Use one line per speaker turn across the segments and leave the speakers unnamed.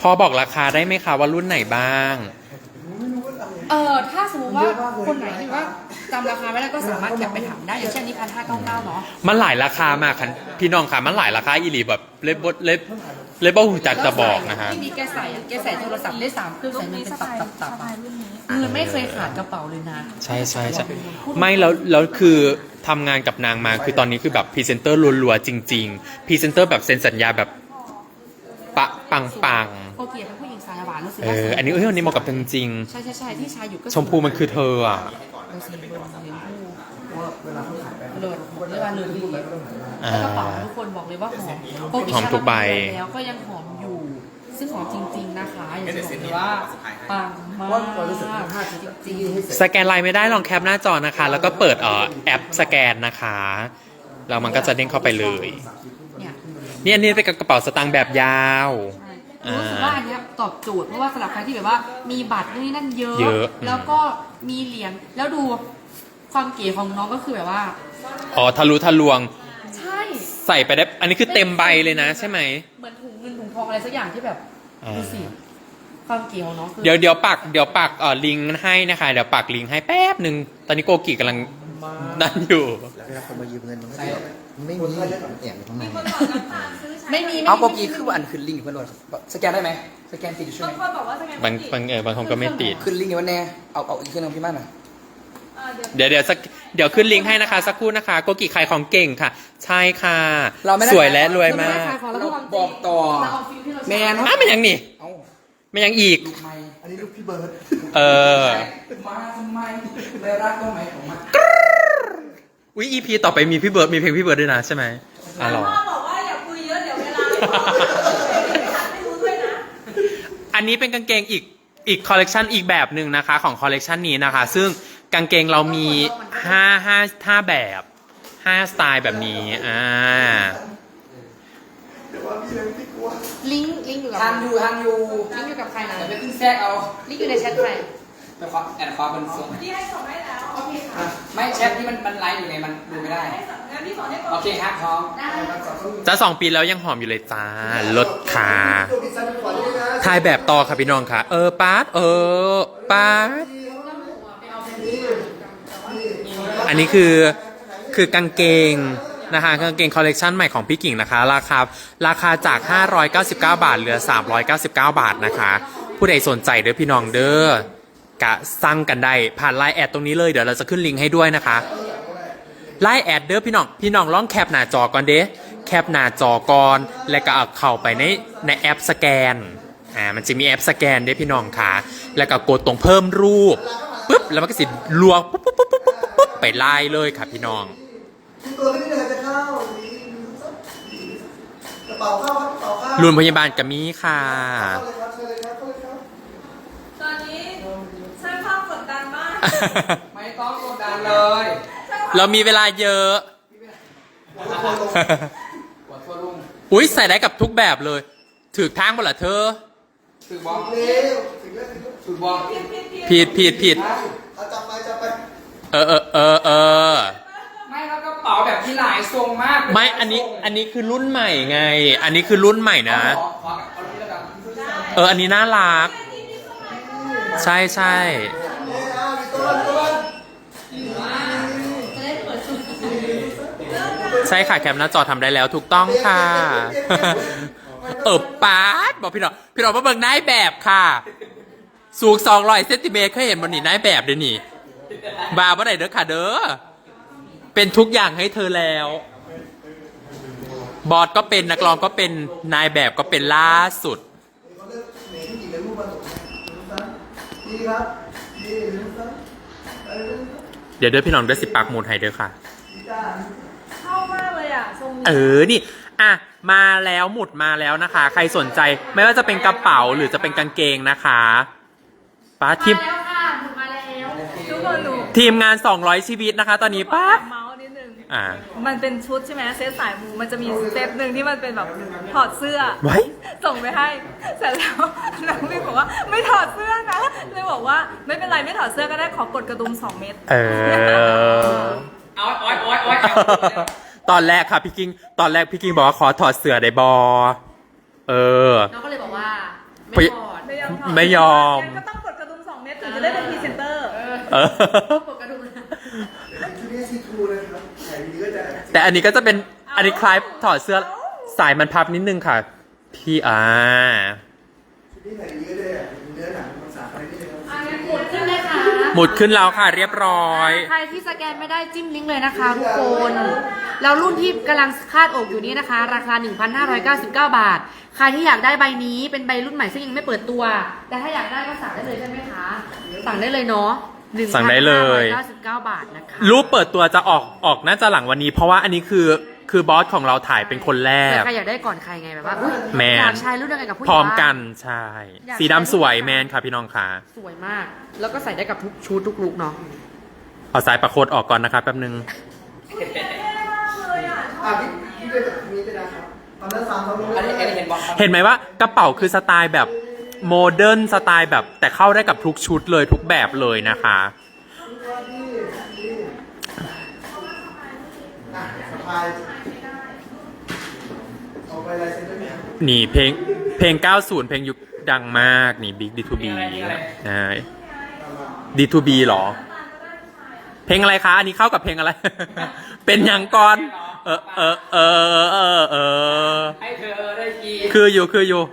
พอบอกราคาได้ไหมคะว่ารุ่นไหนบ้าง
ถ้าสมมติว่าคนไหนที่ว่าจำราคาไม่ได้ก็สามารถแคปไปถามได้อย่างเช่นนี้1,599เนาะ
มันหลายราคามากค่ะพี่น้องค่ะมันหลายราคาอีหลีแบบเล็บหูจักจะบอกนะฮะ
ที่มีแกใส่โทรศัพท์ได้3เครื่องใส่เงินเป็นตับเงินไม่เคยขาดกระเป๋าเลยนะ
ใช่ไม่แล้วคือทำงานกับนางมาคือตอนนี้คือแบบพรีเซนเตอร์รัวๆจริงๆพรีเซนเตอร์แบบเซ็นสัญญาแบบปัง
โอเคเป็นผู้หญิงสายหวานรู้สึก
อันนี้อันนี้เหมาะกับเธอจริง
ใช่ที่ชายอยู่ก็
ชมพูมันคือเธออ่ะ
เลิศเรียกว่าเลิศดีแล้วกระเป๋าทุกคนบอกเลยว่าหอม
ทุกใบ
แล้วก็ยังหอมอยู่ซึ่งหอมจริงๆนะคะอย่างที่บอกเลยว่าปังมากจริง
สแกนไลน์ไม่ได้ลองแคปหน้าจอนะคะแล้วก็เปิดแอปสแกนนะคะแล้วมันก็จะเด้งเข้าไปเลยนี่อันนี้เป็นกระเป๋าสตางค์แบบยาว
รู้สึกว่าอันนี้ตอบโจทย์เพราะว่าสำหรับใครที่แบบว่ามีบัตรนี่นั่นเยอะแล้วก็มีเหรียญแล้วดูความเก๋ของน้องก็คือแบบว่า
ทะลุทะลวง
ใช่
ใส่ไปได้อันนี้คือเต็มใบเลยนะใช่ไหม
เหมือนถุงเงินถุงทองอะไรสักอย่างที่แบบดูสิความเก๋ของน้องคือ
เดี๋ยวปักลิงก์ให้นะคะเดี๋ยวปักลิงก์ให้แป๊บหนึ่งตอนนี้โกกิกำลังนั่นอยู่
แล้วเวลาคนมายืมเงินมันไม่มีแอบอยู่ข้างใน
ไม่มี
เอาโกกีคืออันขึ้นลิงก์อยู่เพื่อนด้วยสแกนได้ไหมสแกนติดอยู่ใช่ไหม
บางคนบอกว่าสแกน
บางคนก็ไม่ติด
ขึ้นลิงก์อยู่วันแน่เอาอีกเครื่องนึงพี่มั่นอ่ะ
เดี๋ยวขึ้นลิงก์ให้นะคะสักครู่นะคะโกกิขายของเก่งค่ะใช่ค่ะสวยและรวยมาก
บอกต่อแมน
ไม่ยังนี่ไม่ยังอีก
อันนี้ลูกพี่เบิร์ดมาทำไมเลยรักก็ไหมของมัน
อุ๊ย EP ต่อไปมีพี่เบิร์ดมีเพลงพี่เบิร์ดด้วยนะใช่ไหม
พ่อบอกว่าอย่าคุยเยอะเดี๋ยวเวลาไม่รู้ด้วยนะ
อันนี้เป็นกางเกงอีกคอลเลกชันอีกแบบหนึ่งนะคะของคอลเลกชันนี้นะคะซึ่งกางเกงเรามี5แบบ5สไตล์แบบนี้
ลิงก์อยู่กับ
ทางอยู่
ลิงก์อยู่กับใครนะ
แต่ไปขึ้นแทรกเอา
ลิงก์อยู่ในแชทใคร
ไปขอแอนคอเป็นส่ง
ที่ให้ส่งให้แล้วโอเคค่ะ
ไม่แชทที่มันไลฟ์อยู่ไงมันดูไม่ได้
งั้นพี่สอนให้
โอเคครับพร้อม
จะ2 ปีแล้วยังหอมอยู่เลยจ้าลดขาถ่ายแบบต่อค่ะพี่น้องค่ะป๊าดป๊าดอันนี้คือกางเกงนะคะกางเกงคอลเลกชันใหม่ของพี่กิ่งนะคะราคาจาก599 บาทเหลือ399 บาทนะคะผู้ใดสนใจเด้อพี่น้องเด้อกะสั่งกันได้ผ่านไลน์แอดตรงนี้เลยเดี๋ยวเราจะขึ้นลิงก์ให้ด้วยนะคะไลน์แอดเด้อพี่น้องลองแคปหน้าจอก่อนเด้แคปหน้าจอก่อนแล้วก็เอาเข้าไปในแอปสแกนมันจะมีแอปสแกนเด้อพี่น้องค่ะแล้วก็กดตรงเพิ่มรูปปุ๊บแล้วมันก็สิลวงปุ๊บไปไล่เลยค่ะพี่น้อง
ตัวนี้เลยจะเข้ากระเป๋าเข้าครับกระเป๋าเข้า
รุ่นพยาบาลกับมีค่ะ
ตอนนี้สร้างภาพกดดันมาก
ไม่ต้องกดดันเลย
เรามีเวลาเยอะอุ้ยใส่ได้กับทุกแบบเลยถือทางบ่ล่ะเธอ
ถือบอลถือบอล
ผิด
จับไปไม่แล้วก็เป๋าแบบที่หลายทรงมาก
ไม่อันนี้คือรุ่นใหม่ไงอันนี้คือรุ่นใหม่นะอันนี้น่ารักใช่ใช่ค่ะแคปหน้าจอทำได้แล้วถูกต้องค่ะป๊าดบอกพี่น้องมาเบิ่งนายแบบค่ะสูง200 เซนติเมตรเคยเห็นมันนี่นายแบบเดี๋ยวนี้บาบ่ได้เด้อค่ะเด้อเป็นทุกอย่างให้เธอแล้วบอสก็เป็นนักร้องก็เป็นนายแบบก็เป็นล่าสุดเดี๋ยวพี่น้องเด้อ10 ปากมูลให้เด้อค่ะ
เข้ามากเลยอ่ะทรง
นี่มาแล้วหมุดมาแล้วนะคะใครสนใจไม่ว่าจะเป็นกระเป๋าหรือจะเป็นกางเกงนะคะป้าทีม
มาแล้วทุกคนดู
ทีมงาน200 ชีวิตนะคะตอนนี้ป้า
เมาส์นิดนึงมันเป็นชุดใช่ไหมเซตสายมูมันจะมีเซตหนึ่งที่มันเป็นแบบถอดเสื้อส่งไปให้เสร็จแล้วน้องพี่บอกว่าไม่ถอดเสื้อนะเลยบอกว่าไม่เป็นไรไม่ถอดเสื้อก็ได้ขอกดกระดุม2 เม็ด
เอา
ตอนแรกค่ะพี่กิ้งบอกว่าขอถอดเสื้อได้บอ
น้องก็เลยบอกว่าไม่พอด
ไม่ยอมถอด
ไม่ยอม
งั้นก็ต้องกดกระดุม2 เม็ดถึงจะได้เป็นพรีเซนเตอร์
เออ
ปกกระดุมนะ
ชุดนี้ซีทรูนะครับใส่ดีก็จะ
แต่อันนี้ก็จะเป็นอันนี้คล้ายถอดเสื้อสายมันพับนิดนึงค่ะ พี่
ชุดนี้ใส่ดีก็ได้เนื้อหนังมันสาอะไรไม่ได้ครับ
อันนี้หมุดขึ้นเลยค่ะ
หมุดขึ้นแล้วค่ะเรียบร้อย
ใครที่สแกนไม่ได้จิ้มลิงก์เลยนะคะทุกคนแล้วรุ่นที่กำลังคาดอกอยู่นี้นะคะ ราคา 1,599 บาท ใครที่อยากได้ใบนี้เป็นใบรุ่นใหม่ซึ่งยังไม่เปิดตัว แต่ถ้าอยากได้ก็สั่งได้เลยใช่ไหมคะ สั่งได้เลยเนาะ
สั่งได้เลย
1,599 บาทนะคะ
รูปเปิดตัวจะออกน่าจะหลังวันนี้ เพราะว่าอันนี้คือบอสของเราถ่ายเป็นคนแรก
ใครอยากได้ก่อนใครไงแบบว่าอุ๊ย
แมน
อยากใช้รุ่นเดียวกันกับผู้หญิ
พ
ง
ร้อมกัน
บ้าง
ใช่ สีดำสวยแมนค่ะพี่น้องค่ะ
สวยมาก แล้วก็ใส่ได้กับทุกชุดทุกลุคเนาะ
เอาสายประโคดออกก่อนนะคะแป๊บนึง
พี่ก็จะมีไปนะครับตอนนั้น3 2
อันนี้เห็นบอกครับ
เห็นไหมว่ากระเป๋าคือสไตล์แบบโมเดิร์นสไตล์แบบแต่เข้าได้กับทุกชุดเลยทุกแบบเลยนะคะ
สะพายเอาไปลายเซ็นด้วยไหมครับ
นี่เพลง 90 เพลงยุคดังมากนี่ Big D2B ใช่ D2B หรอ เพลงอะไรคะ อันนี้เข้ากับเพลงอะไร เป็นอย่างก่อน เออ
ให้เธอได้กิน
คืออยู่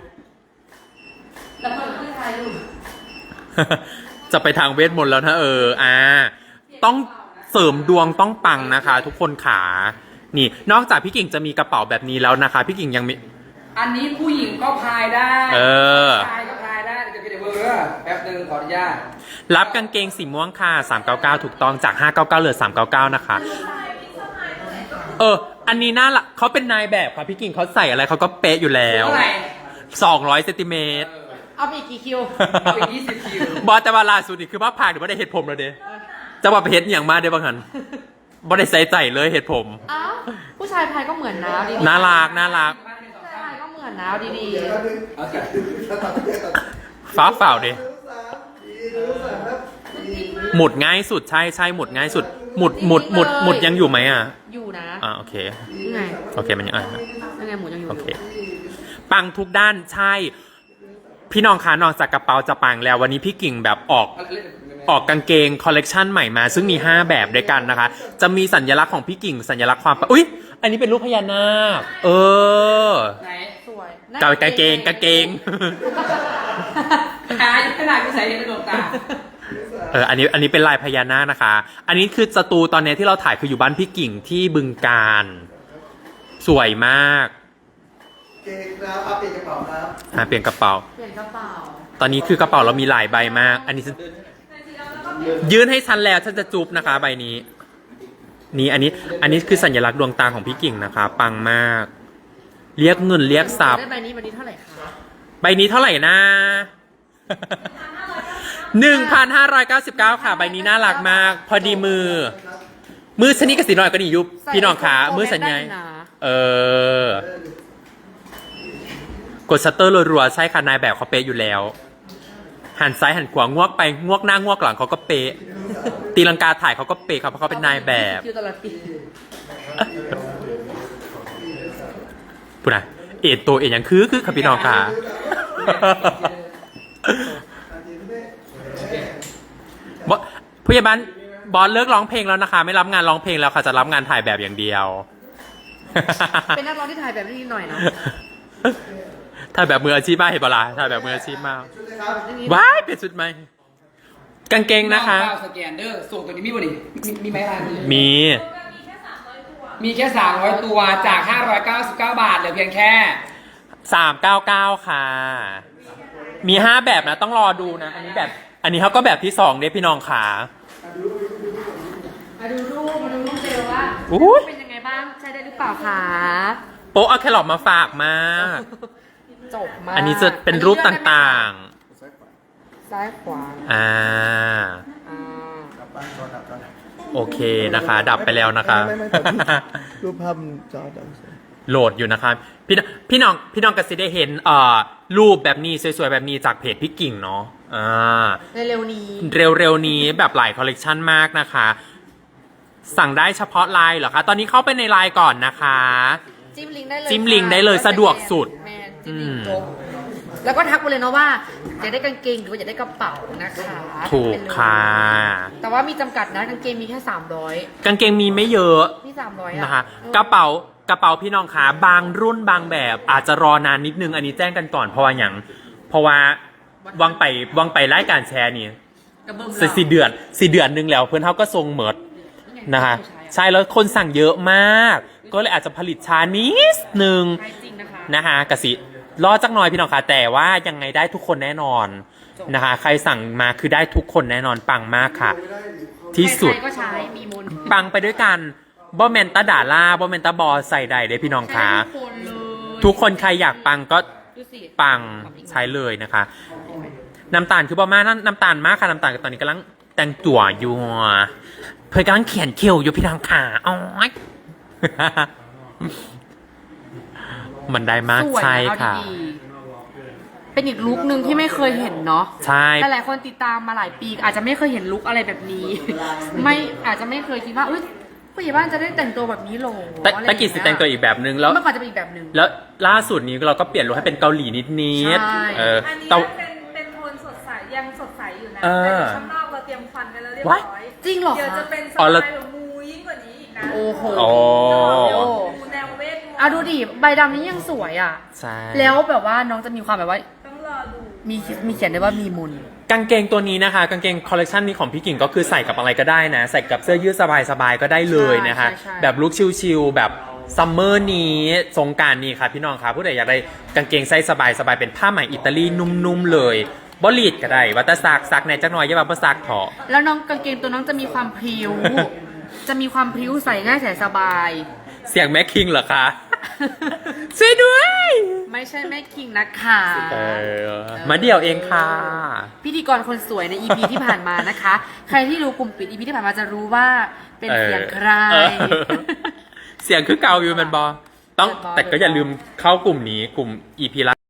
แล้วก็คือใครดู
จะไปทางเวทมนต์แล้วนะต้องเสริมดวงต้องปังนะคะ ทุกคนขานี่ นอกจากพี่กิ่งจะมีกระเป๋าแบบนี้แล้วนะคะ พี่กิ่งยังมี
อันนี้ผู้หญิงก็พายได้
เออ
ชายก็พายได้เดี๋ยวไปเดี๋ยวเบอร์แป๊บนึงขออนุญาต
รับกางเกงสีม่วงค่ะ 399 ถูกต้องจาก 599เหลือ 399 นะคะ อันนี้น่าละเขาเป็นนายแบบค่ะพี่กิ่งเขาใส่อะไรเขาก็เป๊ะอยู่แล้ว
เท่าไหร่
200 เซนติเมตร
เอาไปอีกกี่คิว
เอาอีก20 คิว
บอสแต่ว่าล่าสุดนี่คือว่าผ่านหรือว่าได้เห็ดผมแล้วเด้จะว่าไปเห็ดอย่างมาได้บ้างหันบ่ได้ใส่ใจเลยเห็ดผม
อ้าวผู้ชายพายก็เหมือนนะเอาดีๆ
น่ารัก
ผู้ชายพายก็เหมือนนะเอาดี
โอเค
ฟ้าเปล่าเด้
3
หมุดง่ายสุดใช่หมุดง่ายสุด หมุดยังอยู่ไหมอ่ะ
ๆอยู่นะ
โอเค
ยังไง
โอเคมันยัง
ยังไงหมูยังอยู่
โอเค ปังทุกด้านใช่ พี่น้องคะนอกจากกระเป๋าจะปังแล้ววันนี้พี่กิ่งแบบออกกางเกงคอลเลกชันใหม่มา ซึ่งมี 5 แบบด้วยกันนะคะ จะมีสัญลักษณ์ของพี่กิ่งสัญลักษณ์ความอุ๊ย อันนี้เป็นรูปพญานาค
ไหน
สวย
กางเกง
หายขนาดกูใส่ในดวงตา
อันนี้เป็นลายพญานาคนะคะ อันนี้คือสตูตอนนี้ที่เราถ่ายคืออยู่บ้านพี่กิ่งที่บึงการสวยมาก
เก่งครับเอาเปลี่ยนกระเป๋าครับ
เปลี่ยนกระเป๋า
เปลี่ยนกระเป๋า
ตอนนี้คือกระเป๋าเรามีหลายใบมาก อันนี้ยื่นให้ฉันแล้วฉันจะจุบนะคะใบนี้ นี่อันนี้คือสัญลักษณ์ดวงตาของพี่กิ่งนะคะ ปังมาก เรียกเงินเรียกทรัพย์
ได้ใบนี้เท่าไหร่คะ
ใบนี้เท่าไหร่นะ 1,599 ค่ะ ใบนี้น่ารักมาก พอดีมือชนิดกับสีน้อยก็นี่ยุบพี่น้องขามือสัญญาณกดชัตเตอร์รัวๆใช่ค่ะนายแบบเขาเป๊ะอยู่แล้ว หันซ้ายหันขวางวกไปงวกหน้างวกหลังเขาก็เป๊ะตีลังกาถ่ายเขาก็เป๊ะครับเพราะเขาเป็นนายแบบ
คิวตลอดปี
พูดนะเอ็ดตัวเอ็ดยังคือค่ะพี่น้องค่ะ ผู้ใหญ่บ้านบอสเลิกร้องเพลงแล้วนะคะ ไม่รับงานร้องเพลงแล้วค่ะจะรับงานถ่ายแบบอย่างเดียว
เป็นนักร้องที่ถ่ายแบบนี้หน่อยเนาะ
ถ่ายแบบมืออาชีพมากเห็นปะล่ะถ่ายแบบมืออาชีพมาก
ชุดเลยครับ
ว้ายเปลี่ยนชุดไหมกางเกงนะคะ
น้องเปล่าสแกนเดอร์ส่งตัวนี้มีบ่ดิมีไหมล่ะ
มี
มีแค่300ตัวจาก599 บาทเหลือเพียงแค่
399 ค่ะ มี 5 แบบนะต้องรอดูนะ อันนี้เขาก็แบบที่2เด้พี่น้องขา
มาดูรูปเจลว่า
อุ๊ย
เป็นยังไงบ้างใช้ได้หรือเปล่าคะ
โป๊ะเอาแครอทมาฝากมาก
จบมาก
อันนี้จะเป็นรูปต่าง
ซ้ายขวา
ๆ อ่า
อ่า
ดับบ้านจอดับจอดับ
โอเคนะคะ ดับไปแล้วนะคะ
ไม่แต่รูปภาพจอดับ
โหลดอยู่นะครับพี่น้องก็สิได้เห็นรูปแบบนี้สวยๆแบบนี้จากเพจพี่กิ่งเนาะ
เร็วๆนี้
เร็วๆนี้แบบหลายคอลเลกชันมากนะคะ สั่งได้เฉพาะไลน์เหรอคะตอนนี้เข้าไปในไลน์ก่อนนะคะ
จิ้มลิงก์ได้เลย
จิ้มลิงก์ได้เลยสะดวกสุด
แมนจิ้มลิงก์จบแล้วก็ทักไปเลยเนาะว่าอยากได้กางเกงหรือว่าอยากได้กระเป๋านะคะ
ถูกค่ะ
แต่ว่ามีจำกัดนะกางเกงมีแค่300
กางเกงมีไม่เยอะ
มี300
นะคะกระเป๋าพี่น้องขาบางรุ่นบางแบบอาจจะรอนานนิดนึงอันนี้แจ้งกันก่อนเพราะว่าวังไปรายการแชร์นี่สี่เดือนนึงแล้วเพื่อนเขาก็ทรงเหมิดนะคะใช่แล้วคนสั่งเยอะมาก ก็เลยอาจจะผลิตช้านิดนึง
ใช่จริงนะคะ
นะคะกสิรอจักหน่อยพี่น้องค่ะแต่ว่ายังไงได้ทุกคนแน่นอนนะคะใครสั่งมาคือได้ทุกคนแน่นอนปังมากค่ะ ที่สุด
ใครๆก็ใช้มีมนต์
ปังไปด้วยกันบอแมนตาด่าล่าบอแมนตาบอใส่ใดเด้พี่น้องค่ะ
ใช้ทุกคนเลย
ทุกคนใครอยากปังก็
ดูสิ
ปังใช้เลยนะคะ น้ำตาลคือบอมาน้ำตาลมากค่ะน้ำตาลตอนนี้กำลังแต่งตัวอยู่เพื่อนกำลังเขียนคิวอยู่พี่น้องค่ะอ๋อย มันได้มาก
สวยน
ใช่ค่ะ
เอาดีๆเป็นอีกลุคนึงที่ไม่เคยเห็นเนาะ
ใช่
หลายๆคนติดตามมาหลายปีอาจจะไม่เคยเห็นลุคอะไรแบบนี้ ไม่อาจจะไม่เคยคิดว่าผู้ใหญ่บ้านจะได้แต่งตัวแบบนี้หรอ
ตะกี้สิแต่งตัวอีกแบบนึงแล้ว
เมื่อก่อนจะเป็นอีกแบบนึง
แล้วล่าสุดนี้เราก็เปลี่ยนลุคให้เป็นเกาหลีนิด
ใช่
ๆ
อันนี้
แต่
เป็นโทนสดใสยังสดใสอยู่นะ
เออ
แต่ข้างนอกเราเตรียมควันไปแล้วเรียบ
What?
ร้อย
จริงเหรอ
เดี๋ยวจะ
คะ
เป็นส
อ๋อ
ไต
แล้ว
ล์แบบมูยิ่งกว่านี้อีกนะ
โอ้โห
โอ้
มูแนวเวทมนต์
เอาดูดิใบดำนี้ยังสวยอ่ะ
ใช่
แล้วแบบว่าน้องจะมีความแบบว่า
ต้องรอดู
มีเขียนได้ว่ามีมนต์
กางเกงตัวนี้นะคะกางเกงคอลเลกชันนี้ของพี่กิ่งก็คือใส่กับอะไรก็ได้นะ ใส่กับเสื้อยืดสบายๆก็ได้เลยนะคะ
ใช่
แบบลุคชิลๆแบบซัมเมอร์นี้สงกรานต์นี้ค่ะพี่น้องค่ะผู้ใดอยากได้กางเกงไซส์สบายๆเป็นผ้าไหมอิตาลีนุ่มๆเลยบอลีดก็ได้วัตซักในจักหน่อยอย่าแบบซักเถอะ
แล้วน้องกางเกงตัวน้องจะมีความพริ้ว จะมีความพริ้วใส่ง่ายใส่สบาย
เสียงแม็กคิงเหรอคะ ช่วยด้วย
ไม่ใช่แม่คิงนะคะ
มาเดี่ยวเองค่ะ
พิธีกรคนสวยใน EP ที่ผ่านมานะคะ ใครที่รู้กลุ่มปิด EP ที่ผ่านมาจะรู้ว่าเป็นเสียงใคร
เออเสียงคือเกาอยู่มันบอต้อง
เป็นบอ
แต่ก็อย่าลืมเข้ากลุ่มนี้กลุ่ม EP ละ